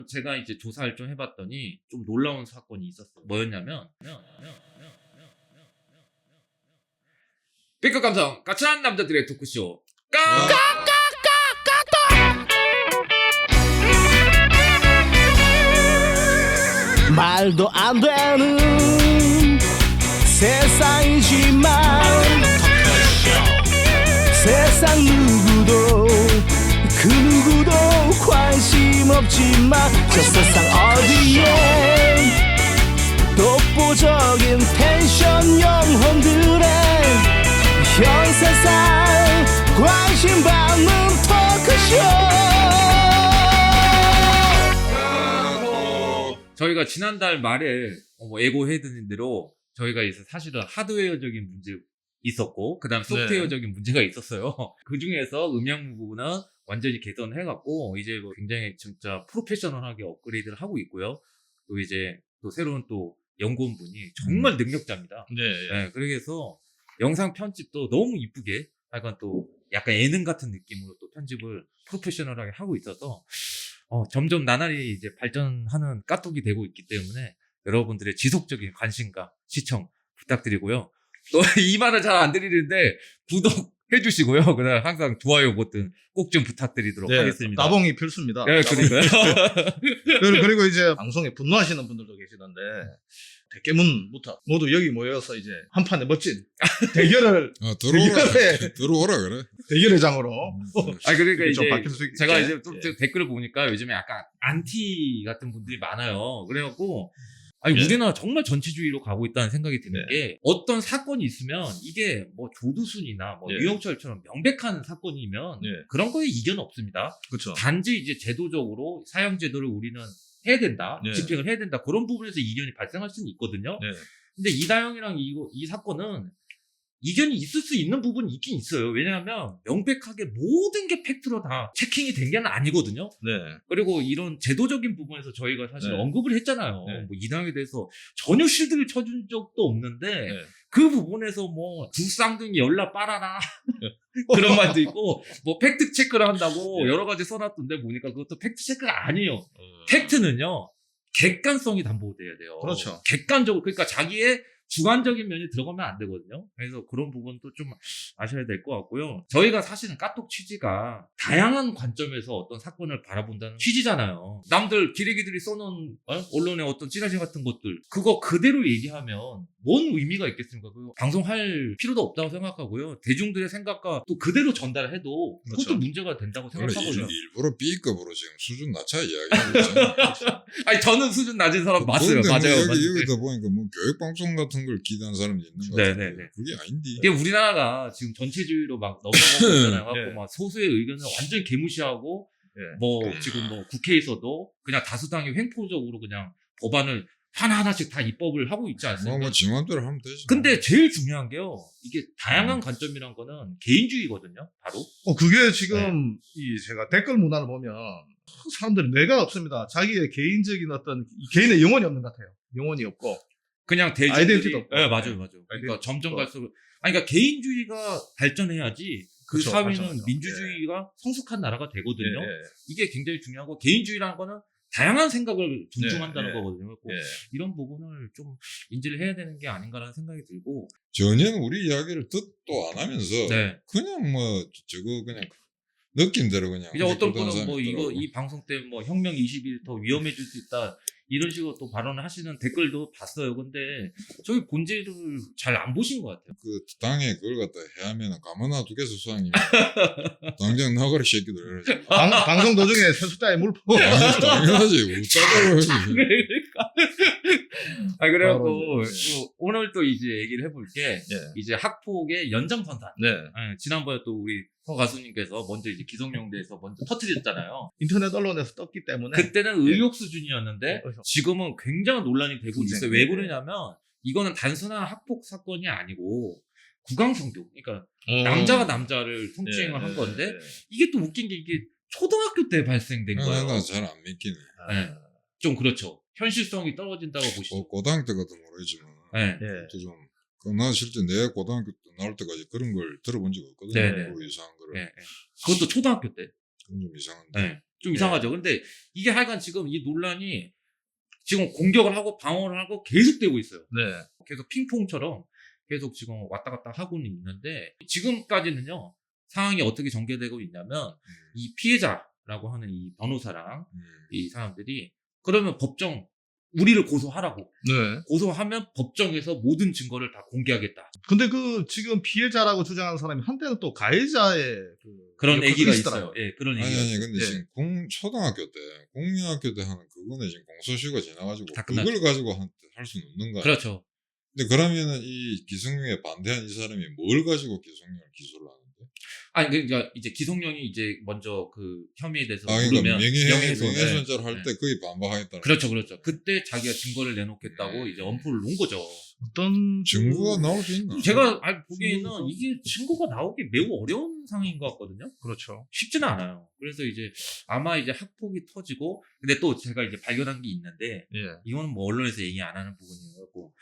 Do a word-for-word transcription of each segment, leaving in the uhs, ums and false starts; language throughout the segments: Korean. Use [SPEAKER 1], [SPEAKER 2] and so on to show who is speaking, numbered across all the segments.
[SPEAKER 1] 제가 이제 조사를 좀 해봤더니 좀 놀라운 사건이 있었어요. 뭐였냐면 B급 감성 까칠한 남자들의 토크쇼 까!
[SPEAKER 2] 말도 안 되는 세상이지만 세상 누구도 그 누구도 관심 없지만 저 세상 어디에 독보적인 텐션 영혼들의 현 세상 관심 받는 토크쇼.
[SPEAKER 1] 저희가 지난달 말에 뭐 예고해드린 대로 저희가 이제 사실은 하드웨어적인 문제 있었고 그 다음 소프트웨어적인 네. 문제가 있었어요. 그 중에서 음향 부분은 완전히 개선을 해갖고 이제 뭐 굉장히 진짜 프로페셔널하게 업그레이드를 하고 있고요. 또 이제 또 새로운 또 연구원분이 정말 능력자입니다. 네. 네 그래서 영상 편집도 너무 이쁘게 약간 또 약간 예능 같은 느낌으로 또 편집을 프로페셔널하게 하고 있어서 어, 점점 나날이 이제 발전하는 까톡이 되고 있기 때문에 여러분들의 지속적인 관심과 시청 부탁드리고요. 또 이 말을 잘 안 드리는데 구독해 주시고요. 그다음 항상 좋아요 버튼 꼭 좀 부탁드리도록
[SPEAKER 3] 네,
[SPEAKER 1] 하겠습니다.
[SPEAKER 3] 따봉이 필수입니다.
[SPEAKER 1] 네, 그러니까요.
[SPEAKER 3] 그리고 이제 방송에 분노하시는 분들도 계시던데 대깨문부터 모두 여기 모여서 이제 한 판의 멋진 대결을
[SPEAKER 4] 아, 들어오라
[SPEAKER 3] 대결의,
[SPEAKER 4] 들어오라 그래.
[SPEAKER 3] 대결의 장으로.
[SPEAKER 1] 아 그러니까 이제
[SPEAKER 3] 바뀔 수 있게.
[SPEAKER 1] 제가 이제 또
[SPEAKER 3] 예.
[SPEAKER 1] 댓글을 보니까 요즘에 약간 안티 같은 분들이 많아요. 그래갖고 아니
[SPEAKER 3] 예.
[SPEAKER 1] 우리나라 정말 전체주의로 가고 있다는 생각이 드는
[SPEAKER 3] 네.
[SPEAKER 1] 게 어떤 사건이 있으면 이게 뭐 조두순이나 뭐
[SPEAKER 3] 예.
[SPEAKER 1] 유영철처럼 명백한 사건이면
[SPEAKER 3] 예.
[SPEAKER 1] 그런 거에 이견 없습니다.
[SPEAKER 3] 그렇죠.
[SPEAKER 1] 단지 이제 제도적으로 사형제도를 우리는 해야 된다,
[SPEAKER 3] 네.
[SPEAKER 1] 집행을 해야 된다 그런 부분에서 이견이 발생할 수는 있거든요.
[SPEAKER 3] 네.
[SPEAKER 1] 근데 이다영이랑 이, 이 사건은 이견이 있을 수 있는 부분이 있긴 있어요. 왜냐하면 명백하게 모든 게 팩트로 다 체킹이 된 게 아니거든요.
[SPEAKER 3] 네.
[SPEAKER 1] 그리고 이런 제도적인 부분에서 저희가 사실
[SPEAKER 3] 네.
[SPEAKER 1] 언급을 했잖아요.
[SPEAKER 3] 네.
[SPEAKER 1] 뭐 이다영에 대해서 전혀 실드를 쳐준 적도 없는데
[SPEAKER 3] 네.
[SPEAKER 1] 그 부분에서 뭐 두 쌍둥이 열라 빨아라 그런 말도 있고 뭐 팩트 체크를 한다고
[SPEAKER 3] 네.
[SPEAKER 1] 여러 가지 써놨던데 보니까 그것도 팩트 체크가 아니에요.
[SPEAKER 3] 어...
[SPEAKER 1] 팩트는요 객관성이 담보돼야 돼요.
[SPEAKER 3] 그렇죠.
[SPEAKER 1] 객관적으로 그러니까 자기의 주관적인 면이 들어가면 안 되거든요. 그래서 그런 부분도 좀 아셔야 될 것 같고요. 저희가 사실은 까톡 취지가 다양한 관점에서 어떤 사건을 바라본다는 취지잖아요. 남들 기레기들이 써놓은 어? 언론의 어떤 찌라시 같은 것들 그거 그대로 얘기하면 뭔 의미가 있겠습니까? 그거 방송할 필요도 없다고 생각하고요. 대중들의 생각과 또 그대로 전달해도 그것도
[SPEAKER 3] 그렇죠.
[SPEAKER 1] 문제가 된다고
[SPEAKER 4] 그래,
[SPEAKER 1] 생각하거든요.
[SPEAKER 4] 일, 일부러 B급으로 지금 수준 낮춰 이야기하고 있잖아.
[SPEAKER 1] 아니 저는 수준 낮은 사람 맞어요.
[SPEAKER 4] 근데
[SPEAKER 1] 맞아요.
[SPEAKER 4] 뭐 여기,
[SPEAKER 1] 맞아요.
[SPEAKER 4] 여기다 보니까 뭐 교육방송 같은 걸 기대한 사람이 있는 거 같은데
[SPEAKER 1] 네네네.
[SPEAKER 4] 그게 아닌데.
[SPEAKER 1] 이게 우리나라가 지금 전체주의로 막 넘어가고 있잖아요. 갖고
[SPEAKER 3] 네.
[SPEAKER 1] 막 소수의 의견을 완전 개무시하고
[SPEAKER 3] 네.
[SPEAKER 1] 뭐 지금 뭐 국회에서도 그냥 다수당이 횡포적으로 그냥 법안을 하나하나씩 다 입법을 하고 있지 않습니까?
[SPEAKER 4] 뭐, 뭐 지맘대로 하면 되지.
[SPEAKER 1] 근데 제일 중요한 게요. 이게 다양한 관점이란 거는 개인주의거든요. 바로.
[SPEAKER 3] 어, 그게 지금 이 제가 댓글 문화를 보면 사람들이 뇌가 없습니다. 자기의 개인적인 어떤 개인의 영혼이 없는 것 같아요. 영혼이 없고.
[SPEAKER 1] 그냥 대중들이
[SPEAKER 3] 아이덴티티도 없고.
[SPEAKER 1] 네, 맞아요, 맞아요. 그러니까
[SPEAKER 3] 아이덴티티도
[SPEAKER 1] 점점
[SPEAKER 3] 없고.
[SPEAKER 1] 갈수록 아니 그러니까 개인주의가 발전해야지 그
[SPEAKER 3] 그렇죠,
[SPEAKER 1] 사회는
[SPEAKER 3] 발전하죠.
[SPEAKER 1] 민주주의가 성숙한 나라가 되거든요.
[SPEAKER 3] 예, 예.
[SPEAKER 1] 이게 굉장히 중요하고 개인주의라는 거는 다양한 생각을 존중한다는
[SPEAKER 3] 네, 네.
[SPEAKER 1] 거거든요. 꼭
[SPEAKER 3] 예.
[SPEAKER 1] 이런 부분을 좀 인지를 해야 되는 게 아닌가라는 생각이 들고.
[SPEAKER 4] 전혀 우리 이야기를 듣도 안 하면서
[SPEAKER 1] 네.
[SPEAKER 4] 그냥 뭐 저거 그냥 느낌대로 그냥.
[SPEAKER 1] 이제 어떤
[SPEAKER 4] 그런
[SPEAKER 1] 분은
[SPEAKER 4] 사람이
[SPEAKER 1] 뭐 이거
[SPEAKER 4] 있더라고.
[SPEAKER 1] 이 방송 때문에 뭐 혁명 이십 일 더 위험해질 수 있다 이런 식으로 또 발언을 하시는 댓글도 봤어요. 근데 저희 본질을 잘 안 보신 것 같아요.
[SPEAKER 4] 그 당에 그걸 갖다 해하면 가만나 두개서 수상이면 당장 나가라 새끼들 이러지.
[SPEAKER 3] 방, 방송 도중에 세숫자에 물 퍼.
[SPEAKER 4] 아니, 당연하지. 웃자고 해야지.
[SPEAKER 1] 그러니까. 아 그래갖고
[SPEAKER 3] 바로 이제,
[SPEAKER 1] 또 오늘 또 이제 얘기를 해볼 게
[SPEAKER 3] 예.
[SPEAKER 1] 이제 학폭의 연장선상.
[SPEAKER 3] 네.
[SPEAKER 1] 예, 지난번에 또 우리 서 가수님께서 먼저 이제 기성용대에서 먼저 터뜨렸잖아요.
[SPEAKER 3] 인터넷 언론에서 떴기 때문에.
[SPEAKER 1] 그때는 의혹 수준이었는데
[SPEAKER 3] 네, 그래서.
[SPEAKER 1] 지금은 굉장한 논란이 되고
[SPEAKER 3] 분쟁.
[SPEAKER 1] 있어요. 왜
[SPEAKER 3] 네.
[SPEAKER 1] 그러냐면 이거는 단순한 학폭 사건이 아니고 구강성교. 그러니까
[SPEAKER 3] 음.
[SPEAKER 1] 남자가 남자를 성추행을
[SPEAKER 3] 네,
[SPEAKER 1] 한 건데
[SPEAKER 3] 네, 네.
[SPEAKER 1] 이게 또 웃긴 게 이게 초등학교 때 발생된 거예요.
[SPEAKER 4] 나잘 안 믿기네.
[SPEAKER 1] 네. 좀 그렇죠. 현실성이 떨어진다고 보시죠.
[SPEAKER 4] 고, 고등학교 때 같은 모르겠지만.
[SPEAKER 1] 네.
[SPEAKER 3] 예.
[SPEAKER 4] 또 좀, 그 나 실제 내 고등학교 때 나올 때까지 그런 걸 들어본 적 없거든요.
[SPEAKER 1] 네네.
[SPEAKER 4] 그 이상한 거를.
[SPEAKER 1] 네, 네. 그것도 초등학교 때.
[SPEAKER 4] 그건 좀 이상한데.
[SPEAKER 1] 네. 좀 이상하죠. 근데 이게 하여간 지금 이 논란이 지금 공격을 하고 방어를 하고 계속되고 있어요.
[SPEAKER 3] 네.
[SPEAKER 1] 계속 핑퐁처럼 계속 지금 왔다 갔다 하고는 있는데 지금까지는요 상황이 어떻게 전개되고 있냐면 이 피해자라고 하는 이 변호사랑
[SPEAKER 4] 음.
[SPEAKER 1] 이 사람들이 그러면 법정 우리를 고소하라고
[SPEAKER 3] 네.
[SPEAKER 1] 고소하면 법정에서 모든 증거를 다 공개하겠다
[SPEAKER 3] 근데 그 지금 피해자라고 주장하는 사람이 한때는 또 가해자의 그
[SPEAKER 1] 그런
[SPEAKER 3] 역할도
[SPEAKER 1] 얘기가
[SPEAKER 3] 있었더라고요.
[SPEAKER 1] 있어요. 예, 그런
[SPEAKER 4] 아니
[SPEAKER 1] 얘기가
[SPEAKER 4] 아니
[SPEAKER 1] 있어요.
[SPEAKER 4] 근데
[SPEAKER 3] 예.
[SPEAKER 4] 지금 공, 초등학교 때 국민학교 때 하는 그거는 지금 공소시효가 지나가지고
[SPEAKER 1] 다
[SPEAKER 4] 그걸
[SPEAKER 1] 끝났죠.
[SPEAKER 4] 가지고 할 수는 없는 거야.
[SPEAKER 1] 그렇죠.
[SPEAKER 4] 근데 그러면은 이 기성용에 반대한 이 사람이 뭘 가지고 기성용을 기소를 하는데?
[SPEAKER 1] 아니 그러니까 이제 기성용이 이제 먼저 그 혐의에 대해서
[SPEAKER 4] 아 그러니까
[SPEAKER 1] 물으면
[SPEAKER 4] 명예
[SPEAKER 1] 명예훼손, 예.
[SPEAKER 4] 명예훼손죄를 할
[SPEAKER 1] 네.
[SPEAKER 4] 때 거의 반박하겠다는.
[SPEAKER 1] 그렇죠, 그렇죠. 그때 자기가 증거를 내놓겠다고
[SPEAKER 4] 음.
[SPEAKER 1] 이제 엄포를 놓은 거죠.
[SPEAKER 3] 어떤
[SPEAKER 4] 증거가
[SPEAKER 3] 그-
[SPEAKER 4] 나올 수 있나?
[SPEAKER 1] 제가 알- 보기에는
[SPEAKER 3] 증거가-
[SPEAKER 1] 이게 증거가 나오기 매우 어려운 상황인 것 같거든요.
[SPEAKER 3] 그렇죠.
[SPEAKER 1] 쉽지는 않아요. 그래서 이제 아마 이제 학폭이 터지고, 근데 또 제가 이제 발견한 게 있는데,
[SPEAKER 3] 예.
[SPEAKER 1] 이거는 뭐 언론에서 얘기 안 하는 부분이고,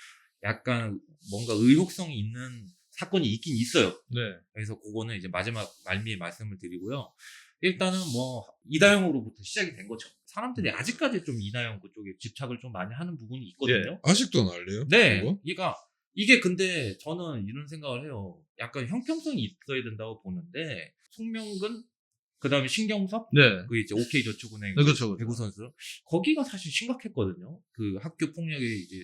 [SPEAKER 1] 약간 뭔가 의혹성이 있는 사건이 있긴 있어요.
[SPEAKER 3] 네.
[SPEAKER 1] 그래서 그거는 이제 마지막 말미에 말씀을 드리고요. 일단은 뭐 이다영으로부터 시작이 된 거죠. 사람들이 아직까지 좀 이다영 그쪽에 집착을 좀 많이 하는 부분이 있거든요.
[SPEAKER 4] 아직도 난리요?
[SPEAKER 1] 네.
[SPEAKER 4] 그거?
[SPEAKER 1] 그러니까 이게 근데 저는 이런 생각을 해요. 약간 형평성이 있어야 된다고 보는데 송명근 그다음에 신경섭
[SPEAKER 3] 네.
[SPEAKER 1] 그 이제 오케이저축은행
[SPEAKER 3] 네, 그렇죠, 그렇죠.
[SPEAKER 1] 배구 선수 거기가 사실 심각했거든요. 그 학교 폭력의 이제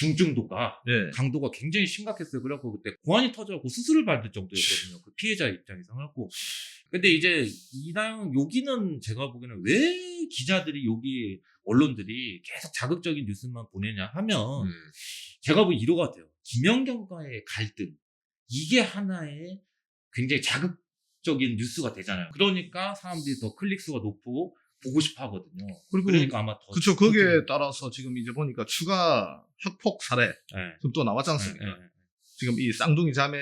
[SPEAKER 1] 중증도가
[SPEAKER 3] 네.
[SPEAKER 1] 강도가 굉장히 심각했어요. 그래갖고 그때 고환이 터져갖고 수술을 받을 정도였거든요. 그 피해자 입장에서 하고. 근데 이제 이다영 여기는 제가 보기에는 왜 기자들이 여기 언론들이 계속 자극적인 뉴스만 보내냐 하면
[SPEAKER 4] 음.
[SPEAKER 1] 제가 보기 이거 같아요. 김연경과의 갈등 이게 하나의 굉장히 자극적인 뉴스가 되잖아요. 그러니까 사람들이 더 클릭수가 높고 보고 싶어 하거든요.
[SPEAKER 3] 그리고
[SPEAKER 1] 그러니까 아마 더
[SPEAKER 3] 그렇죠. 거기에 따라서 지금 이제 보니까 추가 학폭 사례
[SPEAKER 1] 네.
[SPEAKER 3] 지금 또 나왔지 않습니까?
[SPEAKER 1] 네, 네, 네.
[SPEAKER 3] 지금 이 쌍둥이 자매의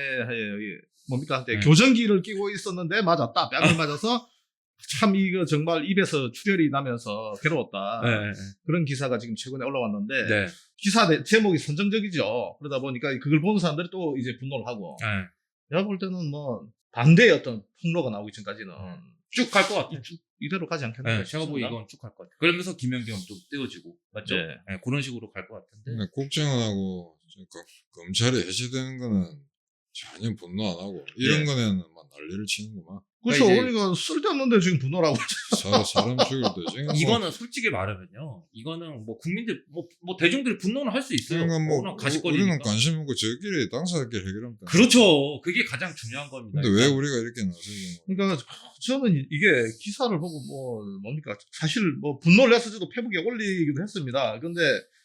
[SPEAKER 3] 뭡니까 한때
[SPEAKER 1] 네.
[SPEAKER 3] 교정기를 끼고 있었는데 맞았다. 뺨을 맞아서 참 이거 정말 입에서 출혈이 나면서 괴로웠다.
[SPEAKER 1] 네, 네,
[SPEAKER 3] 그런 기사가 지금 최근에 올라왔는데
[SPEAKER 1] 네.
[SPEAKER 3] 기사 내- 제목이 선정적이죠. 그러다 보니까 그걸 보는 사람들이 또 이제 분노를 하고
[SPEAKER 1] 네.
[SPEAKER 3] 내가 볼 때는 뭐 반대의 어떤 폭로가 나오기 전까지는
[SPEAKER 1] 쭉 갈 것 같아요.
[SPEAKER 3] 쭉 이대로 가지 않겠나
[SPEAKER 1] 네, 제가 보기 이건 쭉 갈 것 같아요. 그러면서 김연경 좀 떼어지고 맞죠?
[SPEAKER 3] 네.
[SPEAKER 1] 네, 그런 식으로 갈 것 같은데.
[SPEAKER 4] 근데 국정원하고 그 검찰이 해체되는 거는 전혀 분노 안 하고 이런
[SPEAKER 1] 네.
[SPEAKER 4] 거는 막 난리를 치는구만.
[SPEAKER 3] 그렇죠.
[SPEAKER 1] 이제-
[SPEAKER 3] 그러니까 쓸데없는데 지금 분노라고
[SPEAKER 4] 사, 사람 죽일 때 지금 뭐
[SPEAKER 1] 이거는 솔직히 말하면요. 이거는 뭐 국민들 뭐, 뭐 대중들이 분노는 할 수 있어요.
[SPEAKER 4] 그러니까 뭐
[SPEAKER 1] 워낙
[SPEAKER 4] 우-
[SPEAKER 1] 가십거리니까.
[SPEAKER 4] 우리는 관심 없고 저끼리 당사자끼리 해결하면 돼.
[SPEAKER 1] 그렇죠. 그게 가장 중요한 겁니다.
[SPEAKER 4] 근데 왜 우리가 이렇게 나서지?
[SPEAKER 3] 그러니까 저는 이게 기사를 보고 뭐 뭡니까 사실 뭐 분노를 해서 저도 페북에 올리기도 했습니다. 근데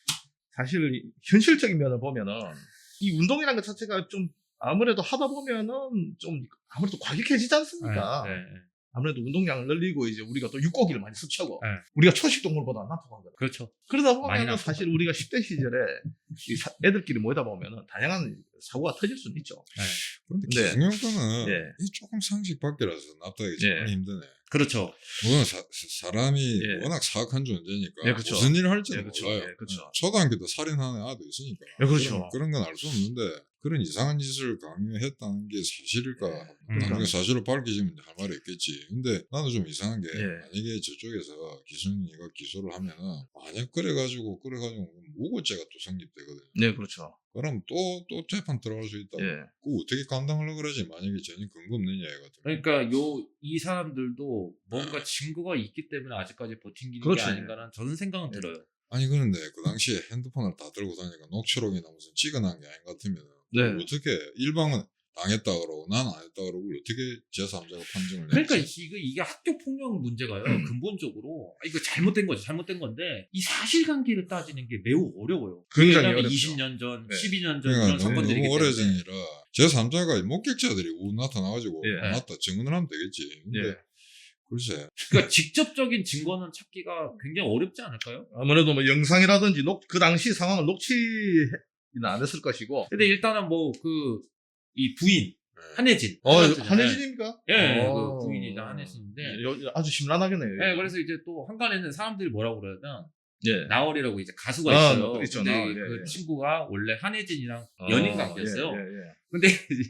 [SPEAKER 3] 사실 이 현실적인 면을 보면은 이 운동이라는 것 자체가 좀 아무래도 하다 보면은 좀 아무래도 과격해지지 않습니까?
[SPEAKER 1] 네, 네, 네.
[SPEAKER 3] 아무래도 운동량을 늘리고 이제 우리가 또 육고기를 많이 섭취하고
[SPEAKER 1] 네.
[SPEAKER 3] 우리가 초식 동물보다 난폭하거든.
[SPEAKER 1] 그렇죠.
[SPEAKER 3] 그러다
[SPEAKER 1] 많이
[SPEAKER 3] 보면
[SPEAKER 1] 나쁘죠.
[SPEAKER 3] 사실 우리가 십 대 시절에 이 사- 애들끼리 모이다 보면은 다양한 사고가 터질 수는 있죠.
[SPEAKER 1] 네.
[SPEAKER 4] 근데
[SPEAKER 3] 네.
[SPEAKER 4] 기성용 거는
[SPEAKER 3] 네.
[SPEAKER 4] 이 조금 상식 밖이라서 납득하기
[SPEAKER 3] 네.
[SPEAKER 4] 정말 힘드네.
[SPEAKER 1] 그렇죠.
[SPEAKER 4] 물론 사, 사람이
[SPEAKER 3] 예.
[SPEAKER 4] 워낙 사악한 존재니까
[SPEAKER 3] 예, 그쵸.
[SPEAKER 4] 무슨 일을 할지는
[SPEAKER 3] 예, 그쵸.
[SPEAKER 4] 몰라요.
[SPEAKER 3] 예, 그쵸.
[SPEAKER 4] 초등학교 때 살인하는 아도 있으니까
[SPEAKER 3] 예, 그렇죠.
[SPEAKER 4] 그런 건 알 수 없는데 그런 이상한 짓을 강요했다는 게 사실일까?
[SPEAKER 1] 음.
[SPEAKER 4] 나중에 사실을 밝혀지면 할 말이 있겠지. 근데 나도 좀 이상한 게
[SPEAKER 3] 예.
[SPEAKER 4] 만약에 저쪽에서 기순이가 기소를 하면은 만약 그래가지고 그래가지고 무고죄가 또 성립되거든요.
[SPEAKER 3] 네, 그렇죠.
[SPEAKER 4] 그럼 또 또 재판 들어갈 수 있다고.
[SPEAKER 3] 예.
[SPEAKER 4] 그거 어떻게 감당하려고 그러지? 만약에 전혀 근거 없는 이야기 같은 거.
[SPEAKER 1] 그러니까 요 이 사람들도 뭔가 증거가 있기 때문에 아직까지 버틴
[SPEAKER 3] 그렇죠.
[SPEAKER 1] 게 아닌가라는 저는 생각은
[SPEAKER 3] 예.
[SPEAKER 1] 들어요.
[SPEAKER 4] 아니 그런데 그 당시에 핸드폰을 다 들고 다니까 녹취록이나 무슨 찍어놓은 게 아닌 것 같으면
[SPEAKER 3] 네.
[SPEAKER 4] 어떻게 일방은 당했다 그러고 난 안 했다 그러고 어떻게 제삼자가 판정을
[SPEAKER 1] 그러니까
[SPEAKER 4] 내지?
[SPEAKER 1] 이거 이게 학교 폭력 문제가요.
[SPEAKER 3] 음.
[SPEAKER 1] 근본적으로 아, 이거 잘못된 거죠. 잘못된 건데 이 사실관계를 따지는 게 매우 어려워요.
[SPEAKER 3] 굉장히
[SPEAKER 1] 왜냐하면
[SPEAKER 3] 어렵죠.
[SPEAKER 1] 이십 년 전,
[SPEAKER 3] 네.
[SPEAKER 1] 십이 년 전
[SPEAKER 4] 그러니까
[SPEAKER 1] 이런
[SPEAKER 4] 너무,
[SPEAKER 1] 사건들이기
[SPEAKER 4] 너무
[SPEAKER 1] 때문에.
[SPEAKER 4] 오래전이라 제삼자가 목격자들이 우 나타나가지고
[SPEAKER 3] 예.
[SPEAKER 4] 맞다 증언을 하면 되겠지. 근데
[SPEAKER 3] 예.
[SPEAKER 4] 글쎄
[SPEAKER 1] 그러니까 직접적인 증거는 찾기가 굉장히 어렵지 않을까요?
[SPEAKER 3] 아무래도 뭐 영상이라든지 녹, 그 당시 상황을 녹취는 안 했을 것이고.
[SPEAKER 1] 근데 일단은 뭐 그 이 부인
[SPEAKER 4] 네.
[SPEAKER 1] 한혜진.
[SPEAKER 3] 어,
[SPEAKER 1] 한혜진이잖아요.
[SPEAKER 3] 한혜진입니까?
[SPEAKER 1] 예,
[SPEAKER 3] 어.
[SPEAKER 1] 그 부인이자 한혜진인데.
[SPEAKER 3] 여- 아주 심란하겠네요.
[SPEAKER 1] 예, 그래서 이제 또 한간에는 사람들이 뭐라고 그러냐면
[SPEAKER 3] 예.
[SPEAKER 1] 나월이라고 이제 가수가
[SPEAKER 3] 아,
[SPEAKER 1] 있어요.
[SPEAKER 3] 뭐 있죠,
[SPEAKER 1] 근데
[SPEAKER 3] 나월, 예,
[SPEAKER 1] 그
[SPEAKER 3] 예.
[SPEAKER 1] 친구가 원래 한혜진이랑
[SPEAKER 3] 어,
[SPEAKER 1] 연인 관계였어요.
[SPEAKER 3] 예, 예, 예.
[SPEAKER 1] 근데 이제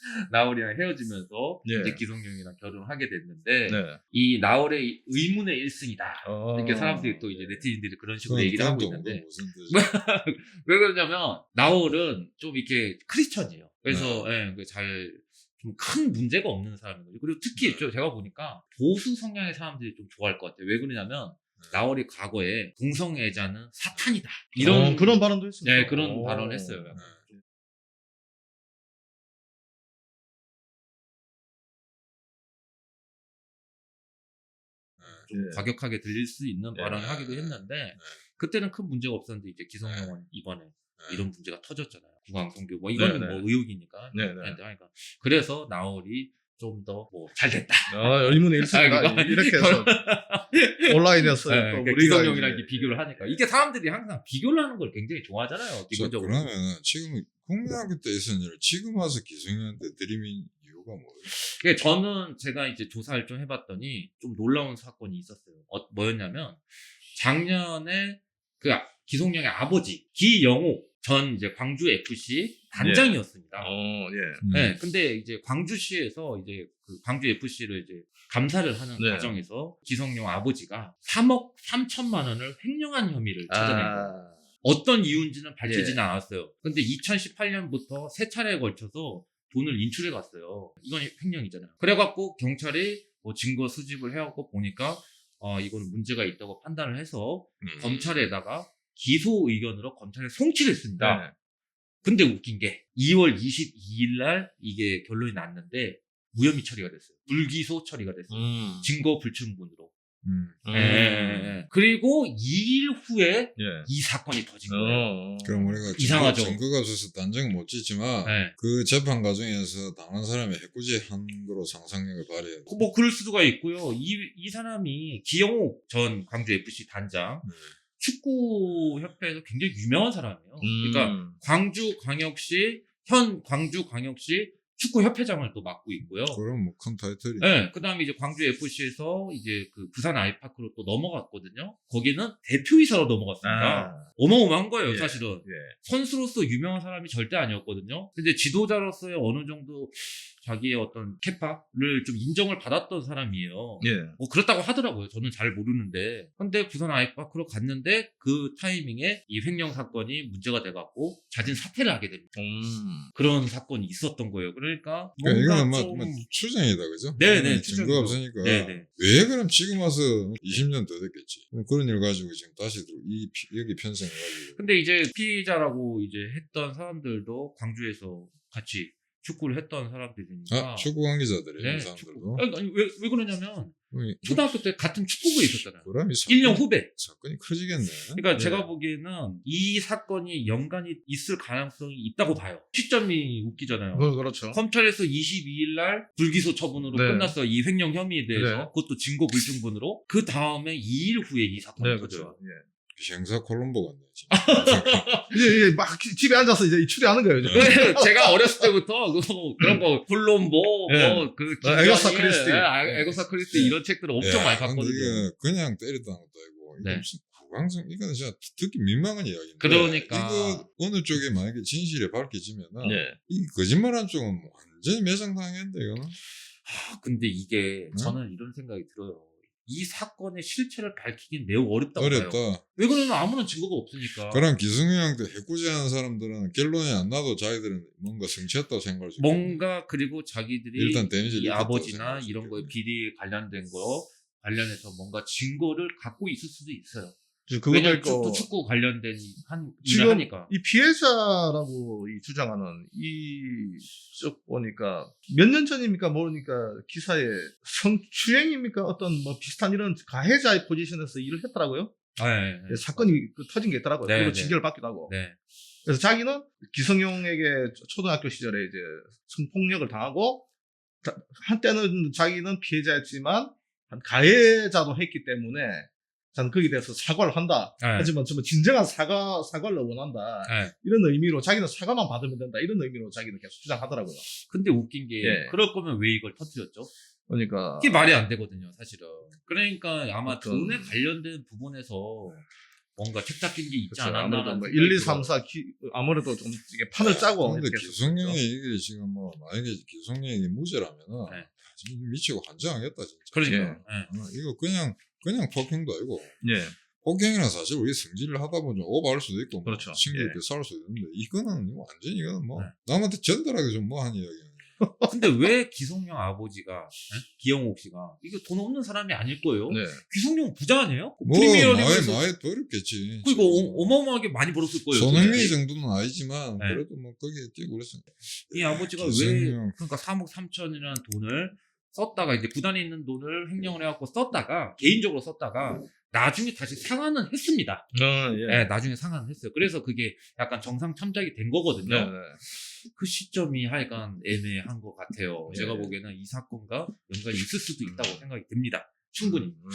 [SPEAKER 1] 나월이랑 헤어지면서
[SPEAKER 3] 네.
[SPEAKER 1] 이제 기성용이랑 결혼을 하게 됐는데
[SPEAKER 3] 네.
[SPEAKER 1] 이 나월의 의문의 일승이다.
[SPEAKER 3] 어.
[SPEAKER 1] 이렇게 사람들이 또 이제 네티즌들이 그런 식으로
[SPEAKER 4] 그건
[SPEAKER 1] 얘기를 하고
[SPEAKER 4] 또
[SPEAKER 1] 있는데
[SPEAKER 4] 무슨 뜻이야?
[SPEAKER 1] 왜 그러냐면 나월은 좀 이렇게 크리스천이에요. 그래서 예, 잘 좀 큰 문제가 없는 사람인 거죠. 그리고 특히
[SPEAKER 4] 네.
[SPEAKER 1] 좀 제가 보니까 보수 성향의 사람들이 좀 좋아할 것 같아요. 왜 그러냐면 나월이 과거에 동성애자는 사탄이다. 이런
[SPEAKER 3] 어, 그런 발언도 했습니다.
[SPEAKER 1] 네, 그런
[SPEAKER 3] 오.
[SPEAKER 1] 발언을 했어요.
[SPEAKER 4] 네.
[SPEAKER 1] 좀
[SPEAKER 3] 예.
[SPEAKER 1] 과격하게 들릴 수 있는
[SPEAKER 3] 네.
[SPEAKER 1] 발언을 하기도 했는데 그때는 큰 문제가 없었는데 이제 기성용은 이번에
[SPEAKER 4] 네.
[SPEAKER 1] 이런 문제가 터졌잖아요. 구강성교 뭐 이거는
[SPEAKER 3] 네, 네.
[SPEAKER 1] 뭐 의혹이니까.
[SPEAKER 3] 네, 네.
[SPEAKER 1] 그러니까 그래서 나월이 좀 더 뭐 잘 됐다.
[SPEAKER 3] 아, 의문의 일승이다.
[SPEAKER 1] 아, 그거-
[SPEAKER 3] 이렇게 해서 온라인에서
[SPEAKER 1] 네,
[SPEAKER 3] 또
[SPEAKER 1] 그러니까
[SPEAKER 3] 우리가
[SPEAKER 1] 기성용이랑
[SPEAKER 3] 이제-
[SPEAKER 1] 이렇게 비교를 하니까 이게 사람들이 항상 비교를 하는 걸 굉장히 좋아하잖아요.
[SPEAKER 4] 자,
[SPEAKER 1] 기본적으로.
[SPEAKER 4] 그러면은 지금 국민학교 때 있었는 일을 지금 와서 기성용한테 들이민 이유가 뭐예요?
[SPEAKER 1] 그게 저는 제가 이제 조사를 좀 해봤더니 좀 놀라운 사건이 있었어요. 어, 뭐였냐면 작년에 그 아- 기성용의 아버지 기영호 전 이제 광주 에프씨 단장이었습니다.
[SPEAKER 3] 어, 예.
[SPEAKER 4] 음.
[SPEAKER 1] 네, 근데 이제 광주시에서 이제 그 광주 에프씨를 이제 감사를 하는
[SPEAKER 3] 네.
[SPEAKER 1] 과정에서 기성용 아버지가 삼억 삼천만 원을 횡령한 혐의를 찾아낸 거예요.
[SPEAKER 3] 아,
[SPEAKER 1] 어떤 이유인지는 밝히지는
[SPEAKER 3] 예.
[SPEAKER 1] 않았어요. 근데 이천십팔 년부터 세 차례에 걸쳐서 돈을 인출해 갔어요. 이건 횡령이잖아요. 그래갖고 경찰이 뭐 증거 수집을 해갖고 보니까 어 이거는 문제가 있다고 판단을 해서
[SPEAKER 4] 음.
[SPEAKER 1] 검찰에다가 기소 의견으로 검찰에 송치를 했습니다.
[SPEAKER 3] 네.
[SPEAKER 1] 근데 웃긴 게 이월 이십이일 날 이게 결론이 났는데 무혐의 처리가 됐어요. 불기소 처리가 됐어요.
[SPEAKER 3] 음.
[SPEAKER 1] 증거 불충분으로.
[SPEAKER 4] 음.
[SPEAKER 3] 음.
[SPEAKER 1] 예, 예, 예. 그리고 이 일 후에
[SPEAKER 3] 예.
[SPEAKER 1] 이 사건이 터진 거예요.
[SPEAKER 3] 어.
[SPEAKER 4] 그럼 우리가
[SPEAKER 1] 이상하죠.
[SPEAKER 4] 증거, 증거가 없어서 단정 못 짓지만
[SPEAKER 1] 네.
[SPEAKER 4] 그 재판 과정에서 당한 사람이 해코지한 거로 상상력을 발휘해야 돼.
[SPEAKER 1] 뭐 그럴 수가 있고요. 이, 이 사람이 기영호 전 광주 에프씨 단장
[SPEAKER 4] 네.
[SPEAKER 1] 축구 협회에서 굉장히 유명한 사람이에요.
[SPEAKER 3] 음.
[SPEAKER 1] 그러니까 광주 광역시 현 광주 광역시 축구 협회장을 또 맡고 있고요.
[SPEAKER 4] 그럼 뭐 큰 타이틀이.
[SPEAKER 1] 네, 그다음에 이제 광주 에프씨에서 이제 그 부산 아이파크로 또 넘어갔거든요. 거기는 대표이사로 넘어갔습니다.
[SPEAKER 3] 아,
[SPEAKER 1] 어마어마한 거예요,
[SPEAKER 3] 예.
[SPEAKER 1] 사실은.
[SPEAKER 3] 예.
[SPEAKER 1] 선수로서 유명한 사람이 절대 아니었거든요. 근데 지도자로서의 어느 정도 자기의 어떤 캐파를 좀 인정을 받았던 사람이에요.
[SPEAKER 3] 예.
[SPEAKER 1] 뭐 그렇다고 하더라고요. 저는 잘 모르는데. 근데 부산 아이파크로 갔는데 그 타이밍에 이 횡령 사건이 문제가 돼갖고 자진 사퇴를 하게 됩니다.
[SPEAKER 3] 음.
[SPEAKER 1] 그런 사건이 있었던 거예요. 그러니까
[SPEAKER 4] 그러니까 이거는 뭐,
[SPEAKER 1] 좀...
[SPEAKER 4] 뭐 추정이다, 그죠?
[SPEAKER 1] 네네,
[SPEAKER 4] 이거는
[SPEAKER 1] 추정이죠.
[SPEAKER 4] 증거가 없으니까.
[SPEAKER 1] 네네.
[SPEAKER 4] 왜 그럼 지금 와서 이십 년 더 됐겠지. 그런 일 가지고 지금 다시 들어, 이, 피- 여기 편성해가지고.
[SPEAKER 1] 근데 이제 피의자라고 이제 했던 사람들도 광주에서 같이 축구를 했던 사람들이니까.
[SPEAKER 4] 아, 축구 관계자들이
[SPEAKER 1] 네,
[SPEAKER 4] 이
[SPEAKER 1] 축구.
[SPEAKER 4] 사람들도.
[SPEAKER 1] 아니, 아니, 왜, 왜 그러냐면
[SPEAKER 4] 그럼
[SPEAKER 1] 초등학교 때 같은 축구부에 있었잖아요.
[SPEAKER 4] 그럼 이 사건,
[SPEAKER 1] 일 년 후배.
[SPEAKER 4] 사건이 커지겠네.
[SPEAKER 1] 그러니까
[SPEAKER 3] 네.
[SPEAKER 1] 제가 보기에는 이 사건이 연관이 있을 가능성이 있다고 봐요. 시점이 웃기잖아요.
[SPEAKER 3] 그, 그렇죠.
[SPEAKER 1] 검찰에서 이십이일 날 불기소 처분으로
[SPEAKER 3] 네.
[SPEAKER 1] 끝났어요. 이 횡령 혐의에 대해서.
[SPEAKER 3] 네.
[SPEAKER 1] 그것도 증거 불충분으로. 그 다음에 이 일 후에 이 사건이
[SPEAKER 3] 네,
[SPEAKER 1] 터져요.
[SPEAKER 3] 그렇죠. 예.
[SPEAKER 4] 형사 콜롬보 같네. 진짜.
[SPEAKER 3] 이제, 이제 막 집에 앉아서 이제 추리하는 거예요. 이제.
[SPEAKER 1] 네, 제가 어렸을 때부터 그- 그런 거 콜롬보
[SPEAKER 3] 네.
[SPEAKER 1] 뭐그
[SPEAKER 3] 아, 에거사 크리스티.
[SPEAKER 1] 에고사 크리스티 이런 책들을 엄청
[SPEAKER 4] 야,
[SPEAKER 1] 많이
[SPEAKER 4] 근데
[SPEAKER 1] 봤거든요.
[SPEAKER 4] 이게 그냥 때렸다는 것도 아니고 이게
[SPEAKER 1] 네.
[SPEAKER 4] 무슨 구강성 이거는 진짜 듣기 민망한 이야기인데
[SPEAKER 1] 그러니까.
[SPEAKER 4] 이거 어느 쪽에 만약에 진실이 밝혀지면은
[SPEAKER 3] 예.
[SPEAKER 4] 이 거짓말한 쪽은 뭐 완전히 매장당했는데 이거는
[SPEAKER 1] 아, 근데 이게
[SPEAKER 4] 응?
[SPEAKER 1] 저는 이런 생각이 들어요. 이 사건의 실체를 밝히긴 매우 어렵다고 봐요.
[SPEAKER 4] 어렵다.
[SPEAKER 1] 왜 그러냐면 아무런 증거가 없으니까.
[SPEAKER 4] 그럼 기승형한테 해코지하는 사람들은 결론이 안 나도 자기들은 뭔가 성취했다고 생각할 수 있겠네.
[SPEAKER 1] 뭔가 그리고 자기들이
[SPEAKER 4] 일단 데미지를
[SPEAKER 1] 이
[SPEAKER 4] 입혔다고
[SPEAKER 1] 아버지나
[SPEAKER 4] 생각할 수
[SPEAKER 1] 이런 거에
[SPEAKER 4] 있겠네.
[SPEAKER 1] 비리 관련된 거 관련해서 뭔가 증거를 갖고 있을 수도 있어요.
[SPEAKER 3] 그것도
[SPEAKER 1] 왜냐면
[SPEAKER 3] 있고.
[SPEAKER 1] 축구, 축구 관련된 한
[SPEAKER 3] 지금
[SPEAKER 1] 일을 하니까.
[SPEAKER 3] 이 피해자라고 이 주장하는 이쪽 보니까 몇 년 전입니까 모르니까 기사에 성추행입니까 어떤 뭐 비슷한 이런 가해자의 포지션에서 일을 했더라고요.
[SPEAKER 1] 네, 네.
[SPEAKER 3] 사건이 그 터진 게 있더라고요.
[SPEAKER 1] 네,
[SPEAKER 3] 그리고
[SPEAKER 1] 네.
[SPEAKER 3] 징계를 받기도 하고.
[SPEAKER 1] 네.
[SPEAKER 3] 그래서 자기는 기성용에게 초등학교 시절에 이제 성폭력을 당하고 자- 한때는 자기는 피해자였지만 한 가해자도 했기 때문에 저는 거기에 대해서 사과를 한다.
[SPEAKER 1] 네.
[SPEAKER 3] 하지만 정말 진정한 사과 사과를 원한다.
[SPEAKER 1] 네.
[SPEAKER 3] 이런 의미로 자기는 사과만 받으면 된다. 이런 의미로 자기는 계속 주장하더라고요.
[SPEAKER 1] 근데 웃긴 게
[SPEAKER 3] 예.
[SPEAKER 1] 그럴 거면 왜 이걸 터뜨렸죠?
[SPEAKER 3] 그러니까
[SPEAKER 1] 그게 말이 안 되거든요, 사실은. 그러니까 아마
[SPEAKER 3] 어떤-
[SPEAKER 1] 돈에 관련된 부분에서 뭔가 책 잡힌 게 있지
[SPEAKER 3] 그렇죠.
[SPEAKER 1] 않았나.
[SPEAKER 3] 아무래도 뭐 일, 이, 삼, 사 기, 아무래도 좀 이게 판을 짜고
[SPEAKER 4] 근데
[SPEAKER 3] 이렇게
[SPEAKER 4] 기성용이
[SPEAKER 3] 했었죠.
[SPEAKER 4] 이게 지금 뭐 만약에 기성용이 무죄라면은
[SPEAKER 1] 네.
[SPEAKER 4] 지금 미치고 환장하겠다 진짜.
[SPEAKER 1] 그러니까.
[SPEAKER 3] 예.
[SPEAKER 1] 예.
[SPEAKER 4] 어, 이거 그냥 그냥 폭행도 아니고
[SPEAKER 3] 예.
[SPEAKER 4] 폭행이는 사실 우리 성질을 하다 보면 좀 오버할 수도 있고 뭐
[SPEAKER 3] 그렇죠.
[SPEAKER 4] 친구들끼리
[SPEAKER 3] 예.
[SPEAKER 4] 싸울 수도 있는데 이거는 뭐 완전히 이거는 뭐
[SPEAKER 1] 네.
[SPEAKER 4] 남한테 전달하기 좀 뭐한 이야기야.
[SPEAKER 1] 근데 왜 기성용 아버지가 예? 기영옥 씨가 이거 돈 없는 사람이 아닐 거예요.
[SPEAKER 3] 네.
[SPEAKER 1] 기성용 부자 아니에요?
[SPEAKER 4] 뭐 많이
[SPEAKER 1] 프리미어리그에서
[SPEAKER 4] 많이 벌었겠지.
[SPEAKER 1] 그리고 어, 어마어마하게 많이 벌었을 거예요.
[SPEAKER 4] 손흥민
[SPEAKER 1] 솔직히.
[SPEAKER 4] 정도는 아니지만
[SPEAKER 1] 네.
[SPEAKER 4] 그래도 뭐 거기에 뛰고 그랬어.
[SPEAKER 1] 이 아버지가 왜
[SPEAKER 4] 기성용.
[SPEAKER 1] 그러니까 삼억 삼천이라는 돈을 썼다가 이제 구단에 있는 돈을 횡령을 해갖고 썼다가 개인적으로 썼다가 나중에 다시 상환은 했습니다.
[SPEAKER 3] 어, 예.
[SPEAKER 1] 네, 나중에 상환을 했어요. 그래서 그게 약간 정상 참작이 된 거거든요.
[SPEAKER 3] 네, 네.
[SPEAKER 1] 그 시점이 하여간 애매한 것 같아요.
[SPEAKER 3] 예.
[SPEAKER 1] 제가 보기에는 이 사건과 연관이 있을 수도 있다고 생각이 듭니다. 충분히.
[SPEAKER 3] 음.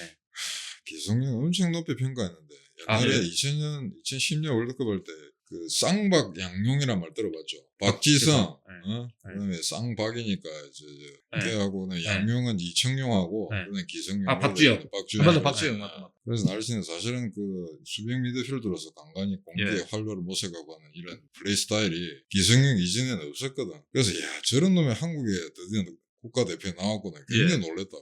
[SPEAKER 4] 기성용 엄청 높이 평가했는데
[SPEAKER 1] 아,
[SPEAKER 4] 옛날에
[SPEAKER 1] 네.
[SPEAKER 4] 이천 년, 이천십 년 월드컵 할 때 그 쌍박 양용이란 말 들어봤죠. 박지성,
[SPEAKER 1] 네.
[SPEAKER 4] 어? 그다음에 쌍박이니까 이제
[SPEAKER 1] 네.
[SPEAKER 4] 걔하고는 양용은 이청용하고
[SPEAKER 1] 네.
[SPEAKER 4] 그다음에 기성용.
[SPEAKER 1] 아, 박주영.
[SPEAKER 4] 박주영.
[SPEAKER 3] 맞아, 박주영 맞다, 맞다.
[SPEAKER 4] 그래서 날씨는 사실은 그 수비형 미드필더로서 간간히 공격에
[SPEAKER 3] 예.
[SPEAKER 4] 활로를 모색하고 하는 이런 플레이 스타일이 기성용 이전에는 없었거든. 그래서 야 저런 놈이 한국에 드디어 국가대표에 나왔구나. 굉장히
[SPEAKER 3] 예.
[SPEAKER 4] 놀랬다고.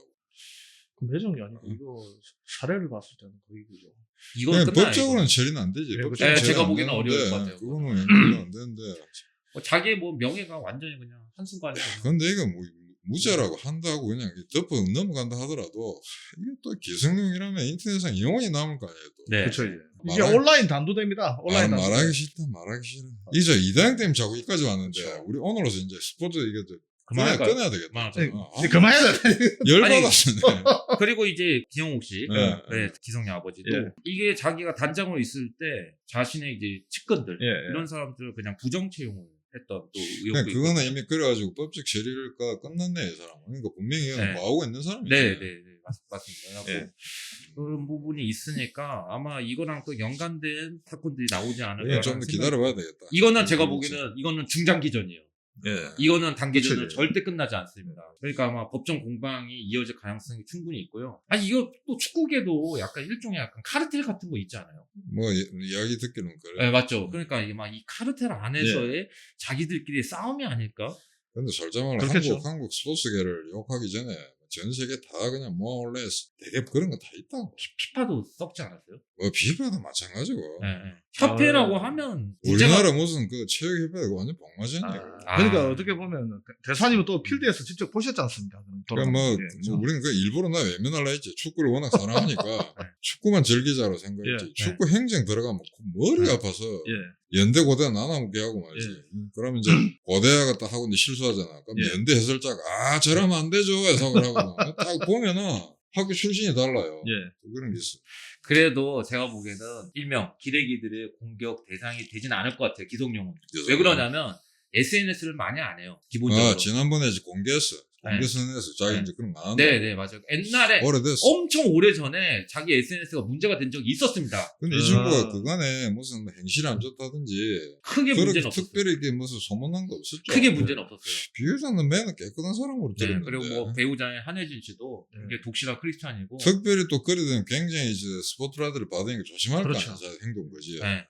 [SPEAKER 3] 그 매정이 아니고 이거 사례를 봤을 때는 거의 그죠.
[SPEAKER 1] 이건
[SPEAKER 4] 그냥
[SPEAKER 1] 끝나요.
[SPEAKER 4] 법적으로는
[SPEAKER 1] 이거는.
[SPEAKER 4] 처리는 안 되지.
[SPEAKER 3] 네,
[SPEAKER 4] 법적으로는
[SPEAKER 1] 네,
[SPEAKER 4] 처리
[SPEAKER 1] 제가
[SPEAKER 4] 안
[SPEAKER 1] 보기에는
[SPEAKER 4] 되는데
[SPEAKER 1] 어려울 것 같아요.
[SPEAKER 4] 그거는 연결이 안 되는데.
[SPEAKER 1] 뭐 자기의 뭐 명예가 완전히 그냥 한순간에 그냥
[SPEAKER 4] 근데 이거 뭐 무죄라고 한다고 그냥 덮어 넘어간다 하더라도 이게 또 기성용이라면 인터넷상 영원히 남을 거 아니에요. 또.
[SPEAKER 1] 네.
[SPEAKER 3] 그렇죠 이제. 이게
[SPEAKER 4] 말하기-
[SPEAKER 3] 온라인 단도대입니다. 온라인
[SPEAKER 4] 말,
[SPEAKER 3] 단도.
[SPEAKER 4] 말하기 싫다 말하기 싫어. 이제 이다영 때문에 자꾸 여기까지 왔는데
[SPEAKER 3] 그렇죠.
[SPEAKER 4] 우리 오늘로서 이제 스포츠 이게 좀
[SPEAKER 1] 그만할까요?
[SPEAKER 4] 끊어야, 끊어야 되겠다.
[SPEAKER 1] 그만하자.
[SPEAKER 3] 네,
[SPEAKER 4] 어,
[SPEAKER 3] 이제 그만해야 돼.
[SPEAKER 4] 열받았네.
[SPEAKER 1] 그리고 이제 기영옥 씨,
[SPEAKER 4] 네.
[SPEAKER 1] 네, 기성용 아버지도
[SPEAKER 3] 예.
[SPEAKER 1] 이게 자기가 단장으로 있을 때 자신의 이제 측근들
[SPEAKER 3] 예, 예.
[SPEAKER 1] 이런 사람들을 그냥 부정 채용을 했던 또 의혹도
[SPEAKER 4] 그냥
[SPEAKER 1] 있고.
[SPEAKER 4] 그거는 이미 그래가지고 법적 처리가 끝났네 이 사람. 그러니까 분명히 이건
[SPEAKER 1] 네.
[SPEAKER 4] 뭐 하고 있는 사람이지.
[SPEAKER 1] 네, 네, 네, 맞, 맞습니다. 그래갖고
[SPEAKER 3] 예.
[SPEAKER 1] 그런 부분이 있으니까 아마 이거랑 또 연관된 사건들이 나오지 않을까.
[SPEAKER 4] 이건 좀더 기다려봐야 되겠다.
[SPEAKER 1] 이거는 제가
[SPEAKER 4] 그렇지.
[SPEAKER 1] 보기에는 이거는 중장기전이에요.
[SPEAKER 3] 예.
[SPEAKER 1] 이거는 단기전은
[SPEAKER 3] 그치.
[SPEAKER 1] 절대 끝나지 않습니다. 그러니까 아마 법정 공방이 이어질 가능성이 충분히 있고요. 아니 이거 또 축구계도 약간 일종의 약간 카르텔 같은 거 있지 않아요?
[SPEAKER 4] 뭐 이- 이야기 듣기는 그래.
[SPEAKER 1] 네, 맞죠. 그러니까 이게 막 이 카르텔 안에서의 자기들끼리 싸움이 아닐까?
[SPEAKER 4] 근데 솔직말로
[SPEAKER 3] 그렇겠죠.
[SPEAKER 4] 한국 한국 스포츠계를 욕하기 전에 전 세계 다 그냥 뭐 원래 되게 그런 거 다 있다고.
[SPEAKER 1] 피파도 썩지 않았어요?
[SPEAKER 4] 뭐 비파도 마찬가지고.
[SPEAKER 1] 네, 네. 협회라고
[SPEAKER 3] 아,
[SPEAKER 1] 하면
[SPEAKER 4] 우리나라 무슨 그 체육협회가 완전 복마전이야.
[SPEAKER 3] 아, 그러니까
[SPEAKER 1] 아.
[SPEAKER 3] 어떻게 보면 대사님은 또 필드에서 직접 보셨지 않습니까?
[SPEAKER 4] 그러니까 뭐,
[SPEAKER 3] 예,
[SPEAKER 4] 뭐
[SPEAKER 3] 그렇죠?
[SPEAKER 4] 우리는 그 일부러 나 외면하려 했지. 축구를 워낙 사랑하니까 축구만 즐기자로 생각했지.
[SPEAKER 3] 예,
[SPEAKER 4] 축구 행정 들어가면 머리
[SPEAKER 1] 네.
[SPEAKER 4] 아파서
[SPEAKER 3] 예.
[SPEAKER 4] 연대 고대 나눠먹게 하고 말이지. 음, 그러면 이제 고대가 딱 하고 이제 실수하잖아. 그럼
[SPEAKER 3] 예.
[SPEAKER 4] 연대 해설자가 아 저러면 안 되죠 해석을 하고 딱 보면은 학교 출신이 달라요.
[SPEAKER 3] 예.
[SPEAKER 4] 또 그런 게 있어.
[SPEAKER 1] 그래도 제가 보기에는 일명 기레기들의 공격 대상이 되지는 않을 것 같아요. 기성용은. 왜 그러냐면 에스엔에스를 많이 안 해요. 기본적으로.
[SPEAKER 4] 아 지난번에 이제 공개했어.
[SPEAKER 1] 네.
[SPEAKER 4] 공개선에서 자기
[SPEAKER 1] 네.
[SPEAKER 4] 이제 그런 거 안 한다.
[SPEAKER 1] 네네 맞아요. 옛날에
[SPEAKER 4] 오래됐어.
[SPEAKER 1] 엄청 오래 전에 자기 에스엔에스가 문제가 된 적이 있었습니다.
[SPEAKER 4] 근데 이
[SPEAKER 3] 아.
[SPEAKER 4] 친구가 그간에 무슨 행실이 안 좋다든지
[SPEAKER 1] 크게 문제는
[SPEAKER 4] 그렇게
[SPEAKER 1] 없었어요.
[SPEAKER 4] 특별히 이게 무슨 소문난 거 없었죠.
[SPEAKER 1] 크게 문제는 없었어요.
[SPEAKER 4] 비유자는 매는 깨끗한 사람으로
[SPEAKER 1] 네,
[SPEAKER 4] 들었는데
[SPEAKER 1] 그리고 뭐 배우자의 한혜진 씨도
[SPEAKER 3] 네.
[SPEAKER 1] 굉장히 독실한 크리스찬이고.
[SPEAKER 4] 특별히 또 그러든 굉장히 이제 스포트라이트를 받으니까 조심할
[SPEAKER 3] 그렇죠.
[SPEAKER 4] 거 아니야. 자기 행동 거지.
[SPEAKER 1] 네.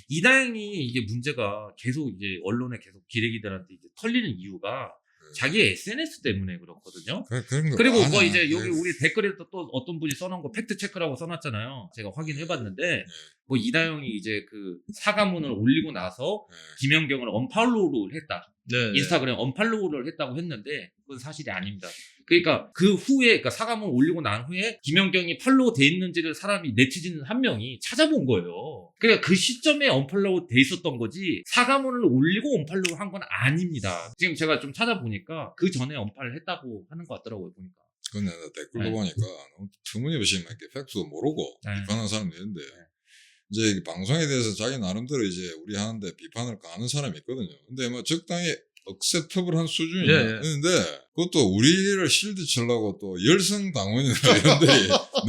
[SPEAKER 1] 이다영이 이게 문제가 계속 이제 언론에 계속 기레기들한테 이제 털리는 이유가
[SPEAKER 4] 네.
[SPEAKER 1] 자기 에스엔에스 때문에 그렇거든요.
[SPEAKER 4] 그, 그런 거
[SPEAKER 1] 그리고 뭐
[SPEAKER 4] 많아.
[SPEAKER 1] 이제 여기
[SPEAKER 4] 네.
[SPEAKER 1] 우리 댓글에 또, 또 어떤 분이 써놓은 거 팩트 체크라고 써놨잖아요. 제가 확인해봤는데
[SPEAKER 4] 네.
[SPEAKER 1] 뭐 이다영이 이제 그 사과문을 올리고 나서
[SPEAKER 4] 네.
[SPEAKER 1] 김연경을 언팔로우를 했다.
[SPEAKER 3] 네.
[SPEAKER 1] 인스타그램 언팔로우를 했다고 했는데 그건 사실이 아닙니다. 그러니까 그 후에 그러니까 사과문 올리고 난 후에 김연경이 팔로우 돼 있는지를 사람이 네티즌 한 명이 찾아본 거예요. 그러니까 그 시점에 언팔로우 돼 있었던 거지 사과문을 올리고 언팔로우 한 건 아닙니다. 지금 제가 좀 찾아보니까 그 전에 언팔을 했다고 하는 것 같더라고요 보니까.
[SPEAKER 4] 근데 나 댓글도
[SPEAKER 1] 네.
[SPEAKER 4] 보니까 너무 터무니없이 막 이렇게 팩트도 모르고
[SPEAKER 1] 네.
[SPEAKER 4] 비판하는 사람도 있는데 이제 이 방송에 대해서 자기 나름대로 이제 우리 하는데 비판을 가하는 사람이 있거든요. 근데 뭐 적당히 억셉터블한 수준이야.
[SPEAKER 3] 예, 예.
[SPEAKER 4] 근데 그것도 우리를 실드 치려고 또 열성 당원이나 이런데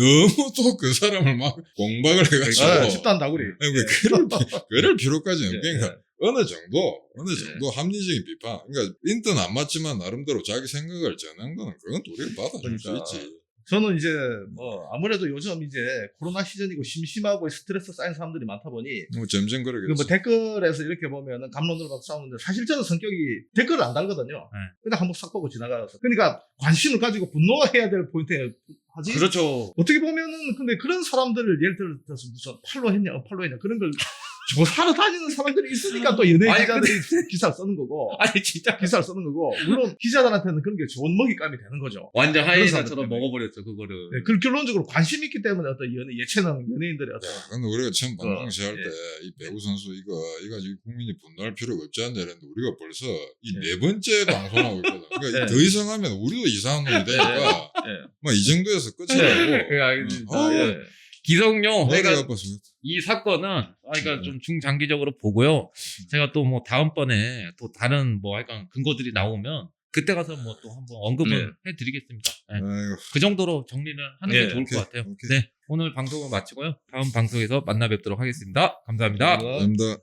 [SPEAKER 4] 너무 또 그 사람을 막 공박을 해가지고
[SPEAKER 3] 아, 집단 다구리.
[SPEAKER 4] 아니, 왜 그럴, 비- 그럴 필요까지 없
[SPEAKER 3] 예,
[SPEAKER 4] 그러니까 어느 정도 어느
[SPEAKER 3] 예.
[SPEAKER 4] 정도 합리적인 비판 그러니까 인턴 안 맞지만 나름대로 자기 생각을 전한 거는 그건 또 우리가 받아줄
[SPEAKER 3] 그러니까.
[SPEAKER 4] 수 있지.
[SPEAKER 3] 저는 이제 뭐 아무래도 요즘 이제 코로나 시즌이고 심심하고 스트레스 쌓인 사람들이 많다 보니
[SPEAKER 4] 뭐 점점
[SPEAKER 3] 그
[SPEAKER 4] 그러겠죠.
[SPEAKER 3] 뭐 댓글에서 이렇게 보면은 감론을 갖고 싸우는데 사실 저는 성격이 댓글을 안 달거든요.
[SPEAKER 1] 네.
[SPEAKER 3] 그냥 한번 싹 보고 지나가서. 그러니까 관심을 가지고 분노해야 될 포인트에 하지.
[SPEAKER 1] 그렇죠.
[SPEAKER 3] 어떻게 보면은 근데 그런 사람들을 예를 들어서 무슨 팔로 했냐, 언팔로 했냐 그런 걸 조사하러 다니는 사람들이 있으니까 또 연예
[SPEAKER 1] 아니,
[SPEAKER 3] 기자들이 기사를 쓰는 거고.
[SPEAKER 1] 아니 진짜
[SPEAKER 3] 기사를 쓰는 거고. 물론 기자들한테는 그런 게 좋은 먹잇감이 되는 거죠.
[SPEAKER 1] 완전
[SPEAKER 3] 그런
[SPEAKER 1] 하이에나처럼
[SPEAKER 3] 사람들 때문에.
[SPEAKER 1] 먹어버렸죠 그거를.
[SPEAKER 3] 네, 그 결론적으로 관심 있기 때문에 어떤 연예, 예체능 연예인들의 어떤
[SPEAKER 4] 근데 우리가 처음 방송 시작할
[SPEAKER 3] 예.
[SPEAKER 4] 때 이 배우 선수 이거 이거 지금 국민이 분노할 필요가 없지 않냐 이랬는데 우리가 벌써 이
[SPEAKER 3] 예.
[SPEAKER 4] 네 번째 방송하고 있거든. 그러니까
[SPEAKER 3] 예.
[SPEAKER 4] 더 이상 하면 우리도 이상한 놈이 되니까
[SPEAKER 3] 예.
[SPEAKER 4] 뭐 이 정도에서 끝이라고.
[SPEAKER 1] 그 알겠습니다.
[SPEAKER 4] 어,
[SPEAKER 1] 예. 기성용
[SPEAKER 4] 머리가
[SPEAKER 1] 그러니까
[SPEAKER 4] 아파서.
[SPEAKER 1] 이 사건은 아, 그러니까
[SPEAKER 4] 네.
[SPEAKER 1] 좀 중장기적으로 보고요. 제가 또 뭐 다음번에 또 다른 뭐 약간 근거들이 나오면 그때 가서 뭐 또 한번 언급을 해드리겠습니다. 예.
[SPEAKER 4] 아이고.
[SPEAKER 1] 그 정도로 정리를 하는 게
[SPEAKER 3] 예,
[SPEAKER 1] 좋을
[SPEAKER 4] 오케이,
[SPEAKER 1] 것 같아요.
[SPEAKER 4] 오케이.
[SPEAKER 1] 네, 오늘 방송을 마치고요. 다음 방송에서 만나 뵙도록 하겠습니다. 감사합니다.
[SPEAKER 4] 감사합니다.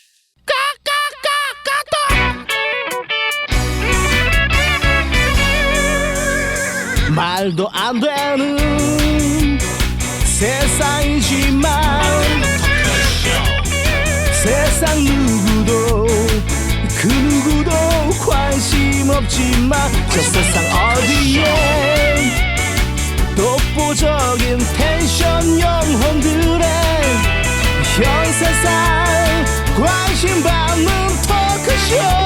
[SPEAKER 2] 말도 안 되는 세상이지만 세상 누구도 그 누구도 관심 없지만 저 세상 어디에 독보적인 텐션 영혼들의 현 세상 관심 받는 토크쇼